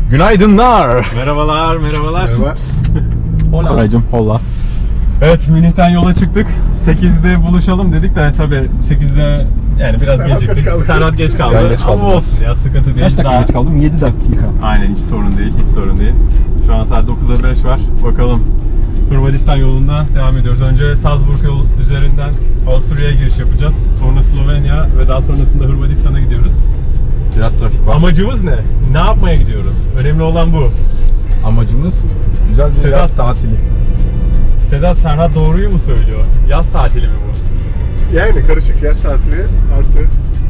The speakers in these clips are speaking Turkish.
Günaydınlar. Merhabalar. Merhaba. Hola. Koraycığım, holla. Evet, Münih'ten yola çıktık. 8'de buluşalım dedik de tabii 8'de yani biraz Serhat geciktik. geç kaldı. Serhat geç kaldı. Ben geç kaldım. Ama olsun ya, sıkıntı değil. Kaç dakika Daha- geç kaldım? 7 dakika. Aynen, hiç sorun değil, hiç sorun değil. Şu an saat 9'a 5 var. Bakalım. Hırvatistan yolunda devam ediyoruz. Önce Salzburg yolu üzerinden Avusturya'ya giriş yapacağız. Sonra Slovenya ve daha sonrasında Hırvatistan'a gidiyoruz. Biraz trafik var. Amacımız ne? Ne yapmaya gidiyoruz? Önemli olan bu. Amacımız güzel bir Sedat. yaz tatili. Sedat, Serhat doğruyu mu söylüyor? Yaz tatili mi bu? Yani karışık yaz tatili artı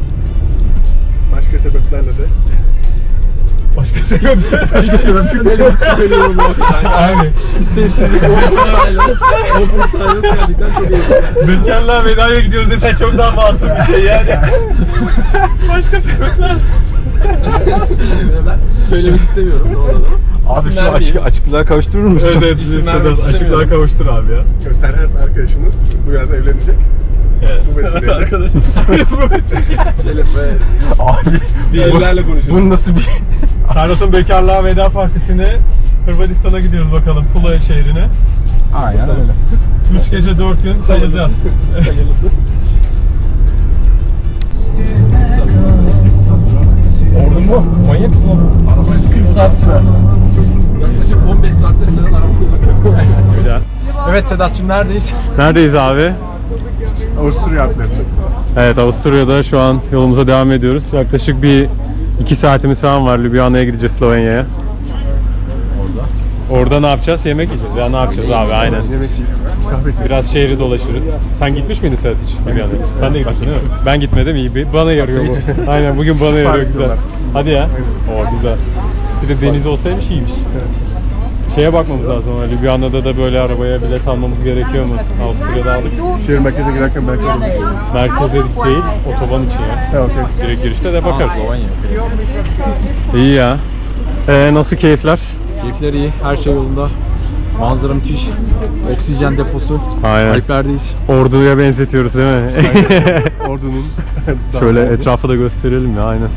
başka sebeplerle de. Başka sebep? Başka sebeplerle söylüyorum bu. Aynen. Sessizlik, open silence gerçekten çok iyi. Bekarlığa vedaya gidiyoruz desen çok daha masum bir şey yani. Başka sebepler. Ben söylemek istemiyorum. Abi İsim şu vermeyeyim. açıklığa kavuşturur musun? Evet, İsim Sedat, vermek açıklığa istemiyorum. kavuştur abi ya. Serhat arkadaşınız bu yaz evlenecek. Evet. Bu vesileyle. Arkadaşım. Şöyle be. Abi Bir ellerle konuşuyoruz. bu nasıl bir... Serhat'ın bekarlığa veda partisine Hırvatistan'a gidiyoruz bakalım, Pula şehrine. Aynen öyle. 3 gece 4 gün kalacağız. Hayırlısı. Ordun mu? Manyak mısın oğlum? Araba 140 saat sürer. Yaklaşık 15 saatte senin araba kullanıyor. Güzel. Evet Sedat'cığım neredeyiz? Neredeyiz abi? Avusturya Alplerinde. Evet, Avusturya'da şu an yolumuza devam ediyoruz. Yaklaşık bir 2 saatimiz falan var. Ljubljana'ya gideceğiz, Slovenya'ya. Orada ne yapacağız? Yemek yiyeceğiz ya, ne yapacağız abi, aynen. Yemek yiyip kahve içeceğiz. Biraz şehri dolaşırız. Sen gitmiş miydin Serhat hiç? Ljubljana'ya? Sen de gitmiştin değil mi? Ben gitmedim, iyi. Bana yarıyor bu. Aynen, bugün bana yarıyor, güzel. diyorlar. Hadi ya. Oo, güzel. Bir de deniz olsaymış iyiymiş. Şeye bakmamız lazım ama Ljubljana'da da böyle arabaya bilet almamız gerekiyor mu? Avusturya'da aldık. Şehir merkeze girerken belki olur. Merkeze değil, otoban için ya. Ha okey. Direkt girişte de bakarız. Slovenya. İyi ya. Nasıl keyifler? Keyifler iyi, her şey yolunda. Manzara müthiş. Oksijen deposu. Aynen. Alplerdeyiz. Ordu'ya benzetiyoruz değil mi? Ordunun Şöyle etrafı da gösterelim ya, aynen.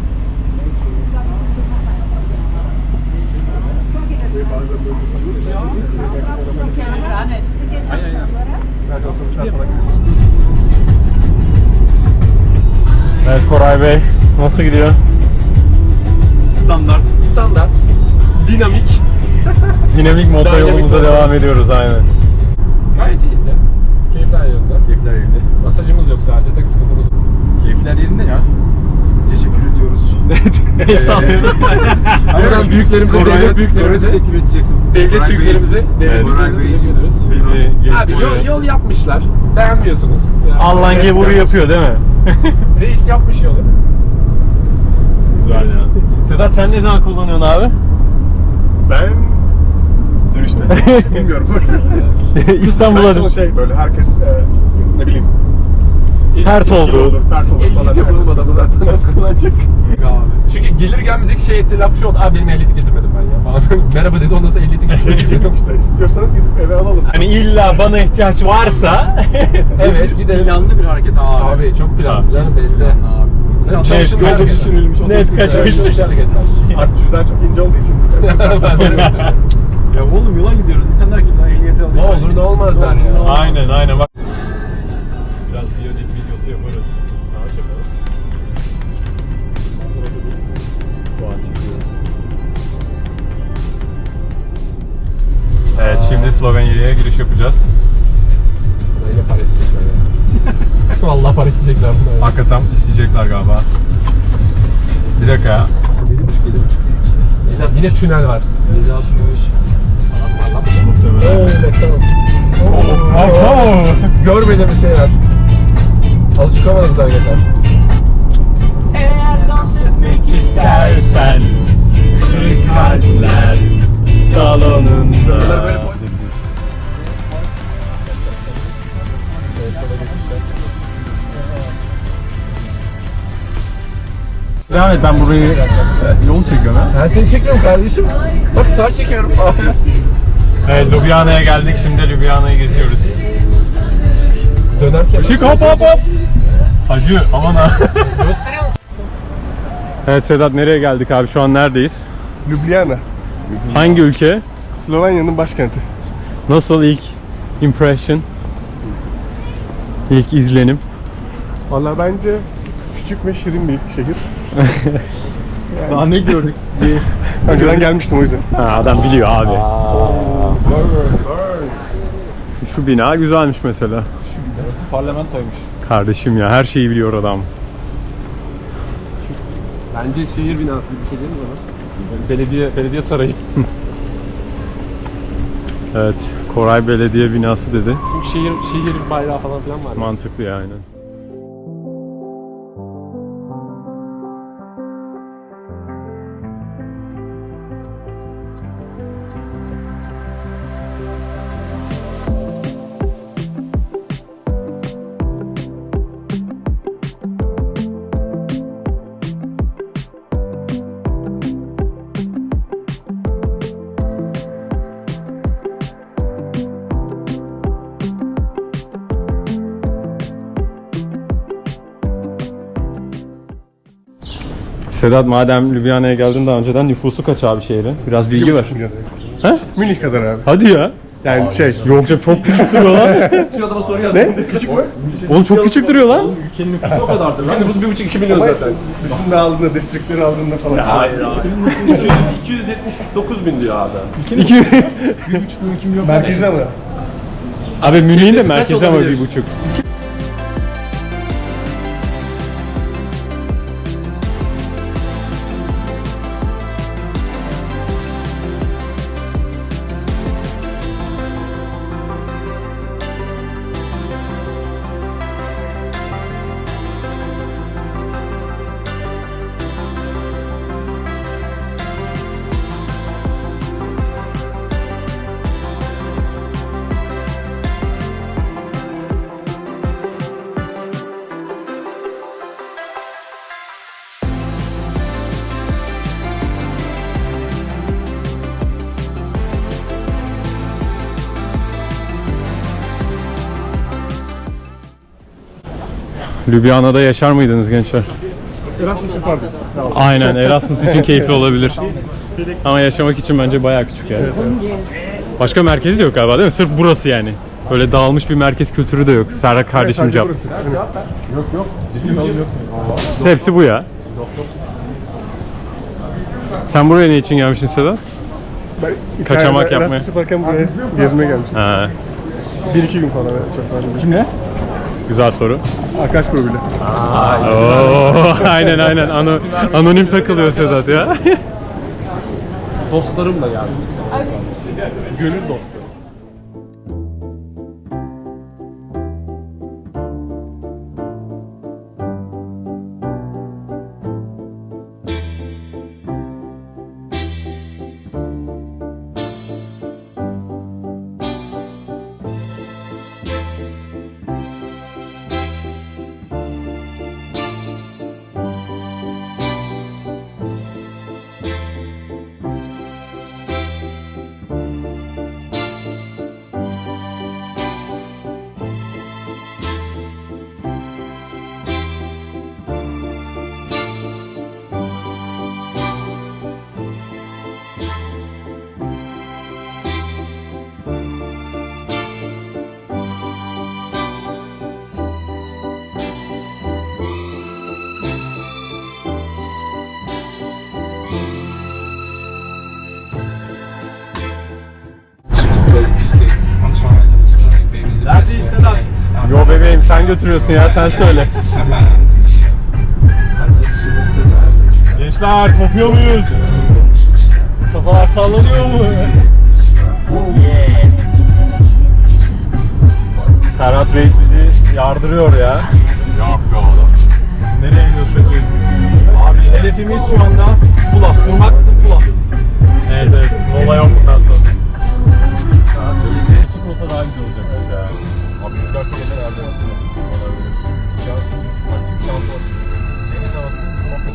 Evet Koray Bey, nasıl gidiyor? Standart. Dinamik. Dinamik modda Dinamik yolumuza modda. devam ediyoruz, aynen. Gayet iyiyiz ya. Keyifler yerinde. Keyifler yerinde. Masajımız yok sadece, tek sıkıntımız. Keyifler yerinde ya. Teşekkür ediyoruz. Buradan büyüklerimize, devlet büyüklerimize, teşekkür edecektim. devlet Koray Bey. büyüklerimize, devlet Evet. büyüklerimize teşekkür ediyoruz. Bizi Abi yol yapmışlar. Beğenmiyorsunuz. Yani Allan gevuru yapıyor değil mi? Reis yapmış yolu. Güzel ya. Sedat, sen ne zaman kullanıyorsun abi? Ben dönüşte bilmiyorum bakacağız. İstanbul'a Ben şey böyle herkes ne bileyim pert gibi oldu. olur, pert olur falan. Ehliyet yapalım adamı zaten, nasıl kullanacak? Abi. Çünkü gelir gelmez ilk şey ettiği laf şu oldu. Abi benim ehliyeti getirmedim ben ya falan. Merhaba dedi, ondan sonra ehliyeti getirmedim. İşte istiyorsanız gidip eve alalım. Hani illa bana ihtiyaç varsa Evet, gidelim. Planlı bir hareket abi. Abi çok planlı canım, belli. Abi. Çalışılmış kaç hareketler. düşünülmüş. net kaçmış. Çalışılmış hareketler. Artık cüzdan çok ince olduğu için. Ben sana Ya oğlum yola gidiyoruz. İnsanlar ki daha ehliyeti alıyor. ne olur ne olmaz der ya. Aynen aynen bak. Biraz biyodik videosu yaparız. Sağa çekelim. Sağa çekiyorum. Evet, şimdi Slovenya'ya giriş yapacağız. Yine para isteyecekler ya. Vallahi para isteyecekler bunlar. Hakikaten isteyecekler galiba. Bir dakika ya. Yine tünel var. 760. Muhtemelen. Oh. Görmediğimiz şeyler. Alışıkamadığımız hareketler. Eğer dans etmek İstersen kırık kalpler salonunda. Devam et, ben burayı yol çekiyorum ha. Ben seni çekmiyorum kardeşim. Bak sağa çekiyorum. Evet, Ljubljana'ya geldik, şimdi Ljubljana'yı geziyoruz. Dönerken. Işık hop hop hop. Hacı aman ha. Gösteriyor musun? Evet Sedat, nereye geldik abi, şu an neredeyiz? Ljubljana. Hangi ülke? Slovenya'nın başkenti. Nasıl ilk impression? İlk izlenim? Valla bence küçük ve şirin bir şehir. Daha ne gördük? Önceden gelmiştim o yüzden. Ha, adam biliyor abi. Şu bina güzelmiş mesela. Burası parlamentoymuş. Kardeşim ya, her şeyi biliyor adam. Bence şehir binası gibi bir şey değil mi bana? Belediye sarayı. Evet, Koray Belediye binası dedi. Çünkü şehir bayrağı falan filan var. Mantıklı yani. Sedat, madem Ljubljana'ya geldin daha önceden, nüfusu kaç abi şehrin? Biraz bilgi ver. He? Münih kadar abi. Hadi ya. Yani şey. Yok canım, çok küçük duruyor lan. Şu adama soru yazdım. Ne? Küçük mü? Oğlum çok küçük duruyor lan. Ülkenin nüfusu o kadardır lan. Nüfus 1,5-2 milyon Ama zaten. dışında aldığında, distrikleri aldığında falan. Hayır hayır. 279 bin diyor abi. 1,5 milyon 2 milyon. Merkezde mi? Abi Münih'in de Şehresi kaç merkezi ama olabilir? 1,5. Ljubljana'da yaşar mıydınız gençler? Erasmus yapardım. Aynen, Erasmus için keyifli olabilir. Ama yaşamak için bence bayağı küçük yani. Başka merkezi de yok galiba, değil mi? Sırf burası yani. Böyle dağılmış bir merkez kültürü de yok. Serhat kardeşim Sadece cevap. burası. Hepsi bu ya. Sen buraya ne için gelmişsin Sedat? Ben Kaçamak İtalya'da yapmaya. Erasmus yaparken buraya gezmeye gelmiştim. Ha, 1-2 gün falan, çok fazla değil. Kimle? Güzel soru. Arkadaş grubuyla. Oo, aynen aynen. Anonim takılıyor Sedat ya. Dostlarımla geldim. Gönül dostu. Neredeyiz Sedat? Yo bebeğim, sen götürüyorsun ya, sen söyle. Gençler, kopuyor muyuz? Kafalar sallanıyor mu? Serhat Reis bizi yardırıyor ya. Yok be oğlum. Nereye gidiyorsun? Abi hedefimiz şu anda Fula. Durmaksızın Fula. Evet evet, mola yok bundan sonra. Küçük olsa daha güzel olacak ya. Abi rüzgar tekeler herhalde olabilir. Rüzgar açık sağ. Deniz havası çok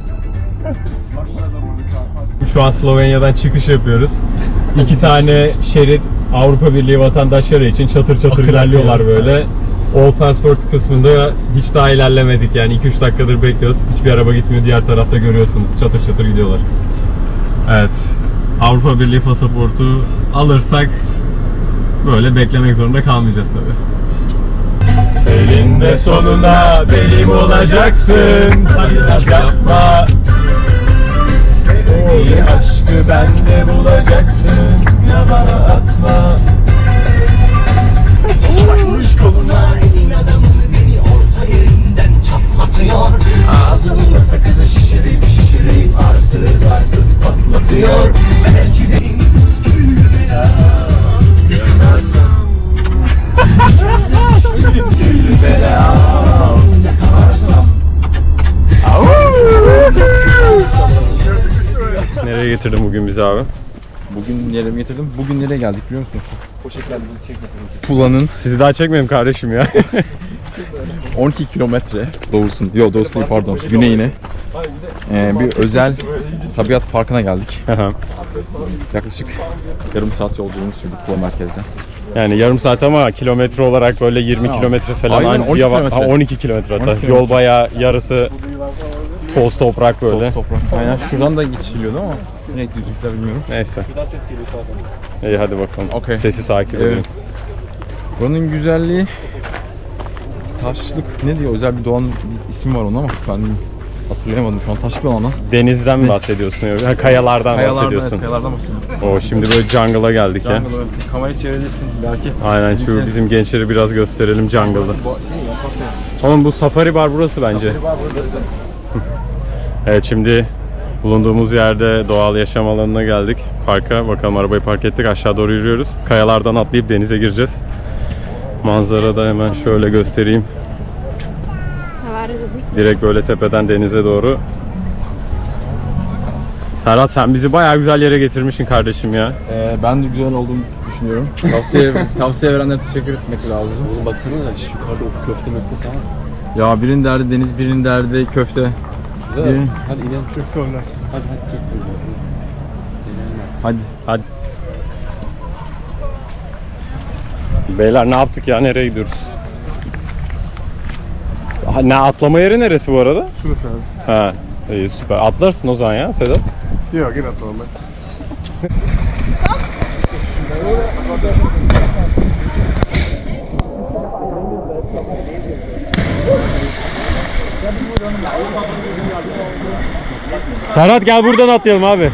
güzel. Şu an Slovenya'dan çıkış yapıyoruz. 2 tane şerit Avrupa Birliği vatandaşları için çatır çatır ilerliyorlar böyle. All Passport kısmında hiç daha ilerlemedik yani 2-3 dakikadır bekliyoruz. Hiçbir araba gitmiyor, diğer tarafta görüyorsunuz çatır çatır gidiyorlar. Evet. Avrupa Birliği pasaportu alırsak böyle beklemek zorunda kalmayacağız tabii. Elinde sonunda benim olacaksın. Hadi yapma. Sevdiği aşkı bende bulacaksın. Ya bana atma. Takmış koluna elin adamını beni orta yerinden çatlatıyor. Ağzımda sakızı şişirip arsız arsız patlatıyor. Belki de güldü ya. Yakarsam güldü bela. Yakalarsam Nereye getirdin bugün bizi abi? Bugün nereye getirdim? Bugün nereye geldik biliyor musun? Tula'nın Sizi daha çekmedim kardeşim ya. 12 kilometre doğusun, yok doğusu değil pardon, güneyine bir özel tabiat parkına geldik. Yaklaşık yarım saat yolculuğumuz sürdü Tula merkezden. Yani yarım saat ama kilometre olarak böyle 20 kilometre falan. Aynen, Aynı 12 bir yava- kilometre. Ha, 12 kilometre hatta. 12 Yol kilometre. bayağı yarısı toz toprak böyle. Toz toprak. Aynen şuradan da geçiliyordu ama ne düzlükler bilmiyorum. Neyse. Ses geliyor zaten. İyi hadi bakalım. Okey. Sesi takip edelim. Buranın güzelliği taşlık ne diyor, özel bir doğanın bir ismi var onun ama ben hatırlayamadım şu an. Taşlık bir alana. Denizden mi bahsediyorsun? Ha, kayalardan bahsediyorsun. Evet, kayalardan bahsediyorum. O şimdi böyle jungle'a geldik ya. Jungle, evet. Kamerayı çevirebilirsin belki. Aynen şu bizim gençleri biraz gösterelim jungle'da. Oğlum bu safari bar burası bence. Evet şimdi bulunduğumuz yerde doğal yaşam alanına geldik. Parka bakalım, arabayı park ettik, aşağı doğru yürüyoruz. Kayalardan atlayıp denize gireceğiz. Manzara da hemen şöyle göstereyim. Direkt böyle tepeden denize doğru. Serhat sen bizi bayağı güzel yere getirmişsin kardeşim ya. Ben de güzel olduğumu düşünüyorum. Tavsiye verenlere teşekkür etmek lazım. Oğlum baksana ya şu yukarıda ufuk köfte sana. Ya birinin derdi deniz, birinin derdi köfte. Güzel. Hadi inelim. Köfte onlar. Hadi çek. Hadi. Hadi. Beyler ne yaptık ya? Nereye gidiyoruz? Ha, ne atlama yeri neresi bu arada? Şurası abi. Ha, iyi süper. Atlarsın o zaman ya Sedat. Yok yine atalım ben. Serhat gel buradan atlayalım abi.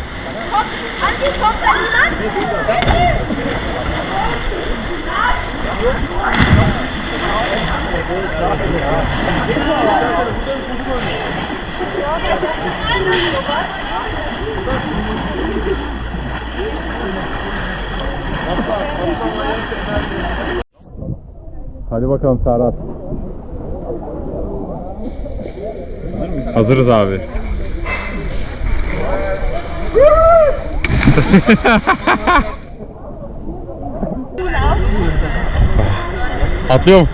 Hadi bakalım Serhat. Hazırız abi. Atlıyorum.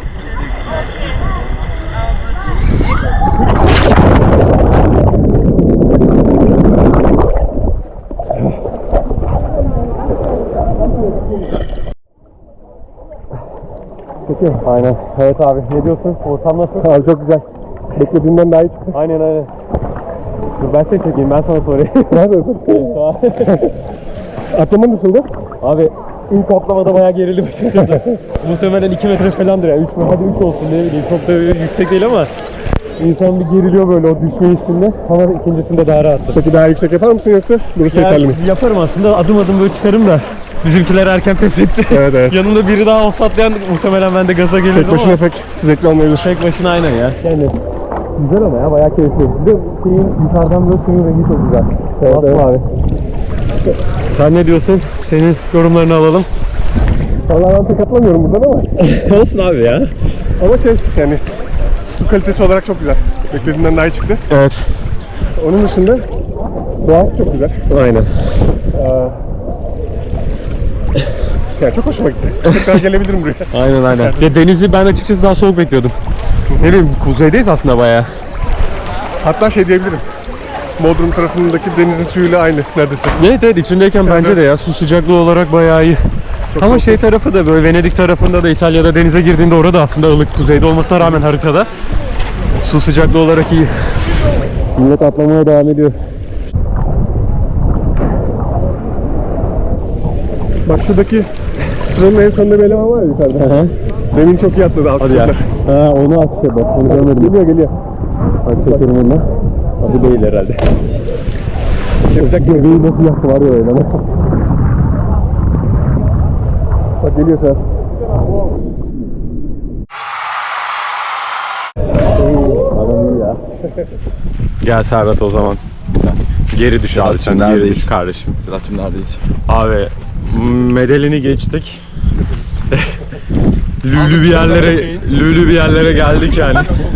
Aynen. Evet abi. Ne diyorsun? Ortam nasıl? Abi çok güzel. Beklediğimden daha iyi çıktı. Aynen aynen. Dur ben seni çekeyim, ben sana sorayım. Neredesin? Atlama nasıldı? Abi ilk atlamada bayağı gerildim açıkçası. Muhtemelen 2 metre falandır ya. 3 hadi 3 olsun ne bileyim. Çok da yüksek değil ama insan bir geriliyor böyle o düşme hissinde. Ama ikincisinde daha rahattı. Peki daha yüksek yapar mısın yoksa burası yeterli mi? Yaparım aslında, adım adım böyle çıkarım da. Bizimkiler erken pes etti. Evet evet. Yanımda biri daha olsa atlayan muhtemelen ben de gaza gelirdim Tek ama. başına pek zevkli olmayabilir. Tek başına aynen ya. Yani güzel ama ya bayağı keyifli. Bir de şeyin yukarıdan böyle suyun rengi çok güzel. Evet, Aslı evet. abi. Sen ne diyorsun? Senin yorumlarını alalım. Vallahi ben pek atlamıyorum buradan ama. Olsun abi ya. Ama şey yani su kalitesi olarak çok güzel. Beklediğimden daha iyi çıktı. Evet. Onun dışında doğası çok güzel. Aynen. Yani çok hoşuma gitti. Tekrar gelebilirim buraya. Aynen aynen. Denizi ben açıkçası daha soğuk bekliyordum. Ne bileyim kuzeydeyiz aslında bayağı. Hatta şey diyebilirim. Bodrum tarafındaki denizin suyuyla aynı neredeyse. Evet evet içindeyken bence de ya su sıcaklığı olarak bayağı iyi. Ama şey tarafı da böyle Venedik tarafında da İtalya'da denize girdiğinde orada aslında ılık kuzeyde olmasına rağmen haritada su sıcaklığı olarak iyi. Millet atlamaya devam ediyor. Bak şuradaki sıranın en sonunda bir eleman var ya yukarıda. Demin çok iyi atladı Hadi ya. alkışlar. Ha, onu atıyor bak. Onu görmedim. Geliyor. Bak çekerim onu. Bu değil herhalde. Yapacak Göbeği nasıl yaktı var ya öyle. Bak geliyor sen. Adam iyi ya. Gel Serhat o zaman. Geri düş abi sen. Geri neredeyiz? düş kardeşim. Sedat'cığım neredeyiz? Abi Medelini geçtik. Lülü bir yerlere geldik yani.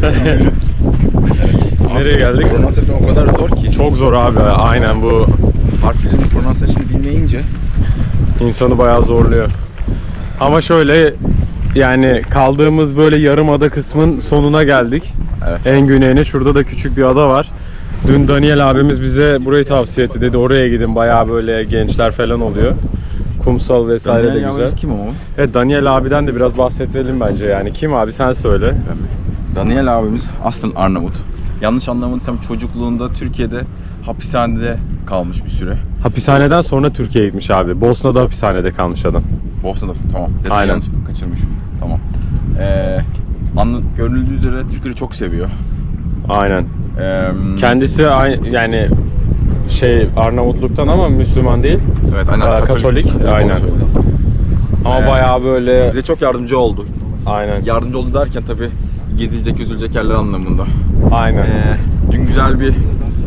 Nereye geldik? Pronunciation o kadar zor ki. Çok zor abi. Aynen bu Harflerin pronunciation'ı bilmeyince. insanı bayağı zorluyor. Ama şöyle yani kaldığımız böyle yarımada kısmın sonuna geldik. Evet. En güneyine. Şurada da küçük bir ada var. Dün Daniel abimiz bize burayı tavsiye etti, dedi oraya gidin, bayağı böyle gençler falan oluyor. Kumsal vesaire de güzel. Kim o? Evet, Daniel abiden de biraz bahsedelim bence yani. Kim abi, sen söyle. Daniel abimiz aslında Arnavut. Yanlış anlamadıysam çocukluğunda Türkiye'de hapishanede kalmış bir süre. Hapishaneden sonra Türkiye'ye gitmiş abi. Bosna'da hapishanede kalmış adam. Bosna'da tamam. Detayı Aynen. yanlış kaçırmışım. Tamam. Görüldüğü üzere Türkleri çok seviyor. Aynen. Kendisi Yani Arnavutluk'tan ama Müslüman değil. evet, aynen Katolik. Aynen. Ama bayağı böyle bize çok yardımcı oldu. aynen. Yardımcı oldu derken tabii gezilecek, üzülecek yerler anlamında. Aynen. Dün güzel bir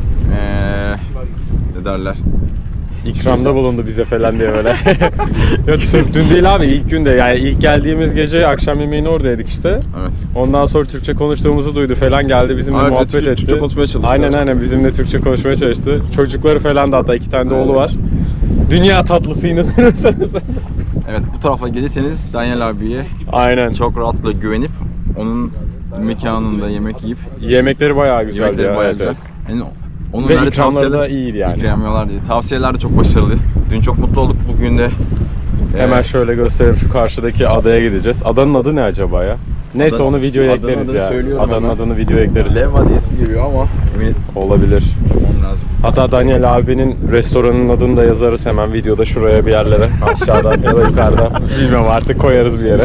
ne derler? İkramda bulundu bize falan diye böyle. Yok sırf dün değil abi, ilk günde yani ilk geldiğimiz gece akşam yemeğini orada yedik işte. Evet. Ondan sonra Türkçe konuştuğumuzu duydu falan, geldi bizimle Evet, muhabbet etti. Türkçe konuşmaya çalıştı. Aynen bizimle Türkçe konuşmaya çalıştı. Çocukları falan da, hatta 2 tane de oğlu var. Dünya tatlısı inanırsanız. Evet, bu tarafa gelirseniz Daniel abiye Aynen. çok rahatlıkla güvenip onun mekanında yemek yiyip Yemekleri bayağı güzel yemekleri ya. bayağı evet, güzel. evet. Yani onun Ve verdiği ikramları da tavsiyeler- iyiydi yani. İkramiyalar değil. Tavsiyeler de çok başarılı. Dün çok mutlu olduk. Bugün de Hemen şöyle göstereyim, şu karşıdaki adaya gideceğiz. Adanın adı ne acaba ya? Neyse Adanın- onu videoya adanın ekleriz adını ya. söylüyorum Adanın hemen. adını videoya ekleriz. Leva diye ismi geliyor ama emin Olabilir. olmam lazım. Hatta Daniel abinin restoranın adını da yazarız hemen videoda şuraya bir yerlere. Aşağıda ya da yukarıda. Bilmiyorum artık, koyarız bir yere.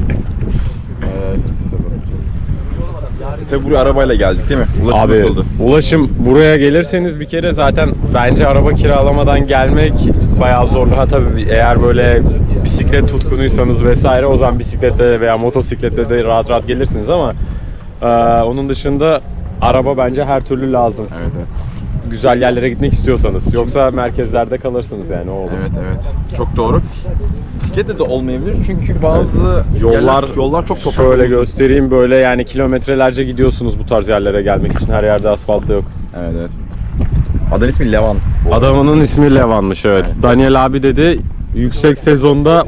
Tabii buraya arabayla geldik değil mi? Ulaşım Abi nasıldı? ulaşım, buraya gelirseniz bir kere zaten bence araba kiralamadan gelmek bayağı zorlu. Ha tabii eğer böyle bisiklet tutkunuysanız vesaire, o zaman bisikletle veya motosikletle de rahat rahat gelirsiniz ama onun dışında araba bence her türlü lazım. Evet, evet. Güzel yerlere gitmek istiyorsanız. Yoksa merkezlerde kalırsınız yani, o olur. Evet. Çok doğru. Bisikletle de olmayabilir çünkü bazı yollar çok toprak. Şöyle olsun. göstereyim, böyle yani kilometrelerce gidiyorsunuz bu tarz yerlere gelmek için. Her yerde asfalt yok. Evet. Adanın ismi Levan. Adamının ismi Levan'mış, evet. Daniel abi dedi yüksek sezonda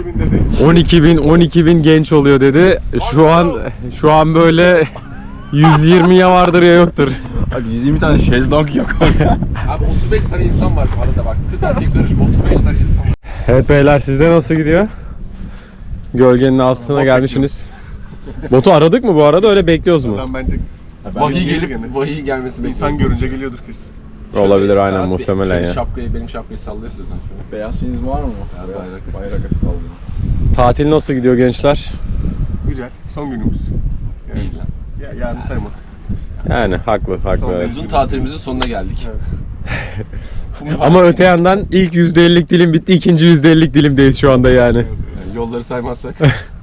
12 bin genç oluyor dedi. Şu an böyle 120'ye vardır ya yoktur. Abi 120 tane şezlong yok. Abi 35 tane insan var bu arada bak. Kız erkek karışık 35 tane insan var. Evet beyler, sizde nasıl gidiyor? Gölgenin altına gelmişsiniz. Botu aradık mı bu arada, öyle bekliyoruz mu? Adam bence Vahiy gelmesi İnsan görünce geliyordur kesin. Olabilir aynen, muhtemelen ya. Benim şapkayı sallıyorsun sen şöyle. Beyaz şeyiniz var mı? Bayrak ası sallıyor. Tatil nasıl gidiyor gençler? Güzel. Son günümüz. Değil lan. Yarın sayma. Yani haklı Son evet. Uzun tatilimizin sonuna geldik. Ama öte yandan ilk %50'lik dilim bitti, ikinci %50'lik dilimdeyiz şu anda yani. Yani yolları saymazsak.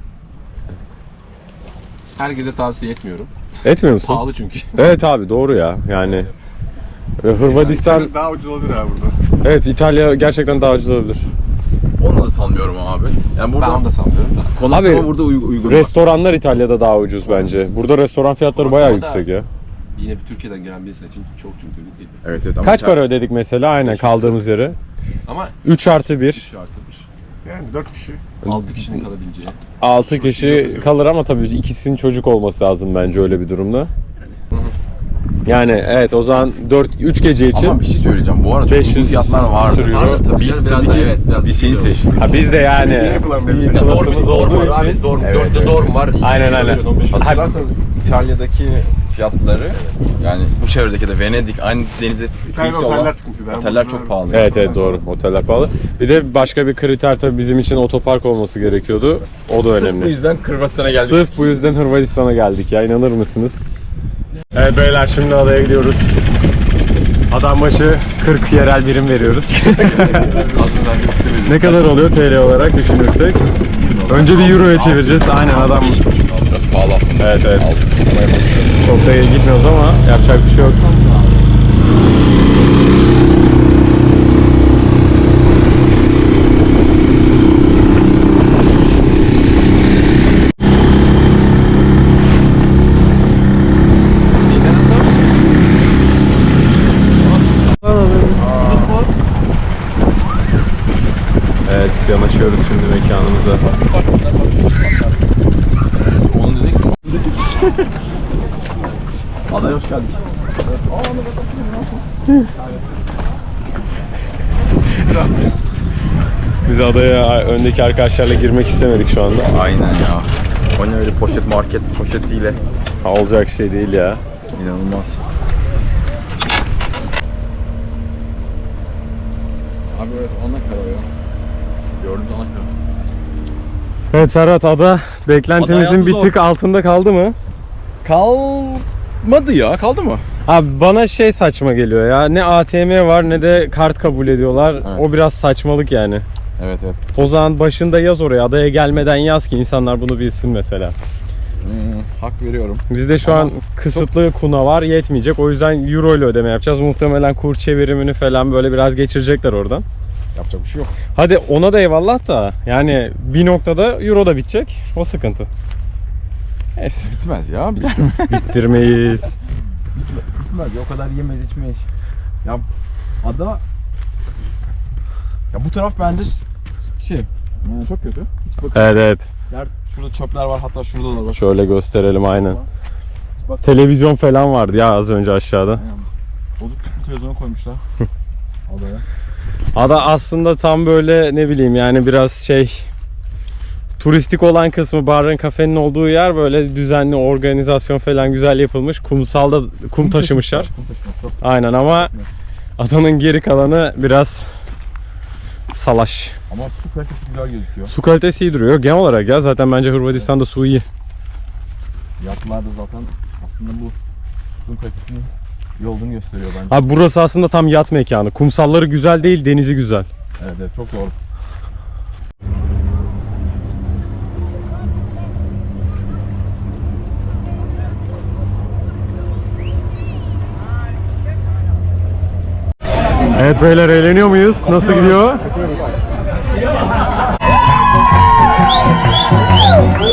Herkese tavsiye etmiyorum. Etmiyor musun? Pahalı çünkü. Evet abi, doğru ya yani. Hırvatistan, Daha ucuz olabilir abi burada. evet İtalya gerçekten daha ucuz olabilir. Onu da sanmıyorum abi. Yani Ben burada onu da sanmıyorum da. konaklama burada uygun. Restoranlar İtalya'da daha ucuz bence. Burada restoran fiyatları bayağı Konaklama da- yüksek ya. Yine bir Türkiye'den gelen birisi için çok çünkü değil. Evet ama Kaç para ödedik mesela aynen kaldığımız yere? Ama 3+1. 3 artırmış. Yani 4 kişi. 6 kişinin kalabileceği. 6 kişi kalır ama tabii ikisinin çocuk olması lazım bence öyle bir durumda. Yani evet, o zaman 3 gece için Ama bir şey söyleyeceğim. Bu arada çok 500 uygun fiyatlar vardı. sürüyor. Vardı tabii Biz canım, biraz tabii da ki evet, biraz bir şeyi biliyorum. seçtik. ha, biz de yani Bizim yapılan bir iyi elbise. klasımız olduğu var abi. için. Dorm, Evet, 4'te evet. dorm var. Aynen. Hatırlarsanız İtalya'daki fiyatları yani bu çevredeki de Venedik aynı denize İtalya'da kıyısı oteller olan sıkıntı. oteller çok pahalı. Evet evet doğru. Oteller pahalı. Bir de başka bir kriter tabii bizim için otopark olması gerekiyordu. O da Sırf önemli. bu yüzden Kırgızistan'a geldik. Sırf bu yüzden Hırvatistan'a geldik ya, inanır mısınız? Evet beyler, şimdi adaya gidiyoruz. Adam başı 40 yerel birim veriyoruz. Ne kadar oluyor TL olarak düşünürsek? Önce bir euroya çevireceğiz. Aynen adam. Biraz pahalı aslında. Evet evet. Ama yapalım bir şey yok. Çok da gitmiyoruz ama yapacak bir şey yok. Evet, yanaşıyoruz şimdi mekanımıza. Onu dedik. Adaya hoş geldik. Biz adaya öndeki arkadaşlarla girmek istemedik şu anda. Aynen ya. O ne öyle poşet market poşetiyle. Ha, olacak şey değil ya. İnanılmaz. Abi evet ana kara ya. Gördüğünüz ana kara. Evet Serhat, ada beklentimizin Ada bir zor. tık altında kaldı mı? Kalmadı ya. Kaldı mı? Abi bana şey saçma geliyor ya. Ne ATM var ne de kart kabul ediyorlar. Evet. O biraz saçmalık yani. Evet evet. O zaman başında yaz oraya. Adaya gelmeden yaz ki insanlar bunu bilsin mesela. Hak veriyorum. Bizde şu an kısıtlı kuna var, yetmeyecek. O yüzden euro ile ödeme yapacağız. Muhtemelen kur çevirimini falan böyle biraz geçirecekler oradan. Yapacak bir şey yok. Hadi ona da eyvallah da yani bir noktada euro da bitecek. O sıkıntı. Neyse. Bitmez ya. Bitmez. Bittirmeyiz. Bitmez ya. O kadar yemeyiz içmeyiz. Ya ada... Ya bu taraf bence çok kötü. Hiç bakın. Evet evet. Yer, şurada çöpler var, hatta şurada da var. Şöyle gösterelim aynen. Bak. Televizyon falan vardı ya az önce aşağıda. Aynen. Bozuk çıkmış televizyonu koymuşlar. Adaya. Ada aslında tam böyle ne bileyim yani biraz şey turistik olan kısmı, barın kafenin olduğu yer böyle düzenli organizasyon falan güzel yapılmış. Kumsalda kum taşımışlar. Kum taşımışlar. Çok Aynen ama adanın geri kalanı biraz salaş. Ama su kalitesi güzel gözüküyor. Su kalitesi iyi duruyor. Genel olarak ya zaten bence Hırvatistan'da su iyi. Yatlar da zaten aslında bu suyun kalitesinin iyi olduğunu gösteriyor bence. Abi burası aslında tam yat mekanı. Kumsalları güzel değil, denizi güzel. Evet evet, çok doğru. Evet beyler, eğleniyor muyuz? Nasıl gidiyor?